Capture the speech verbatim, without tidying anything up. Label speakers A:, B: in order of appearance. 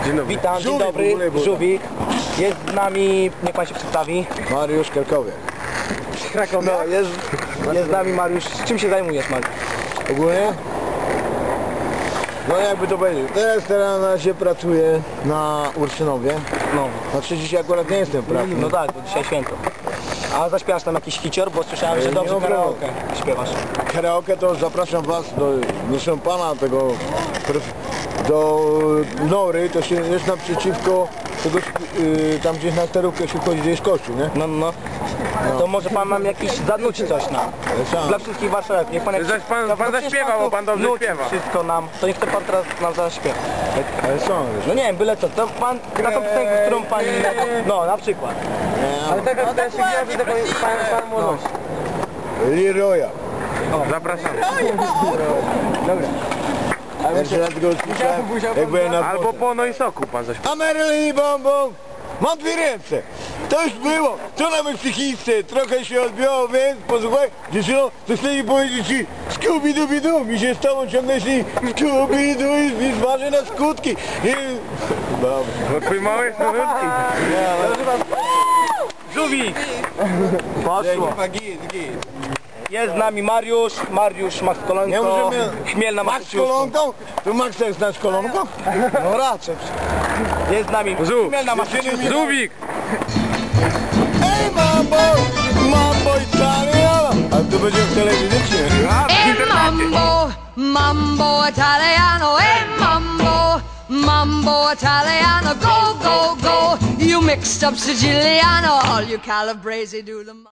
A: Dzień dobry.
B: Witam, dzień
C: Żółwik
B: dobry,
C: w ogóle był.
B: Żółwik. Jest z nami, niech pan się przedstawi.
C: Mariusz Krakowiak.
B: Krakowie. No, jest, jest z nami Mariusz. Czym się zajmujesz, Mariusz?
C: Ogólnie? No jakby to powiedzieć, teraz teraz na razie pracuję na Urszynowie.
B: No,
C: Znaczy dzisiaj akurat nie jestem prawny.
B: no tak, bo dzisiaj święto. A zaśpiewasz tam jakiś hicior, bo słyszałem, że
C: Ej,
B: dobrze
C: nie
B: karaoke śpiewasz.
C: Karaoke to zapraszam was do, proszę pana tego, do Nory, to się jest naprzeciwko tego, yy, tam gdzieś na sterówkę się wchodzi, gdzie jest kościół, nie?
B: No, no. To może pan nam jakiś zanuci coś nam.
C: sam.
B: Dla wszystkich warszawiaków. Niech pan, jak...
A: Zaś pan-
B: No,
A: pan
B: przecież
A: zaśpiewał,
B: tu
A: bo pan dobrze
B: nuci
A: śpiewa.
B: wszystko nam. To niech to pan teraz nam zaśpiewa.
C: Ale są, wiesz.
B: No nie wiem, byle co. To pan na tą piosenkę, którą pani... No, na przykład.
C: Ale
B: Taka tutaj się gwiazdy, taką pan, pan młodości.
C: Leroya.
A: Zapraszamy.
B: Dobra.
C: Jeszcze raz go usłyszałem, jak byłem na
A: Albo
C: dworze.
A: po no i soku pan zaśpiewa.
C: A Marilyn Bombą, mam dwie ręce. To już było. Co na mojej psychice? Trochę się odbiło, więc posłuchaj, dziewczyno, to chcę mi powiedzieć ci Scooby-Dooby-Doo, mi się z tobą ciągle śni Scooby-Doo i mi zważy na skutki. I... Dobra.
A: Bo twój mały jest malutki.
B: Żółwik! Poszło. Jest z nami Mariusz, Mariusz Max
C: Nie
B: Kolonko,
C: możemy...
B: Chmiel na
C: Max kolonką? To Max jest nasz kolonką?
B: No raczej. Jest z nami
A: Żółw.
B: Chmiel na Massachusetts.
A: Żółwik!
C: Ej, mambo! Mambo Italiano! A to będzie w telewizji, czy nie?
A: A, w
D: Hey
A: internecie.
D: mambo, mambo italiano, hey mambo, mambo italiano, go, go, go, you mixed up Siciliano, all you Calabrese do the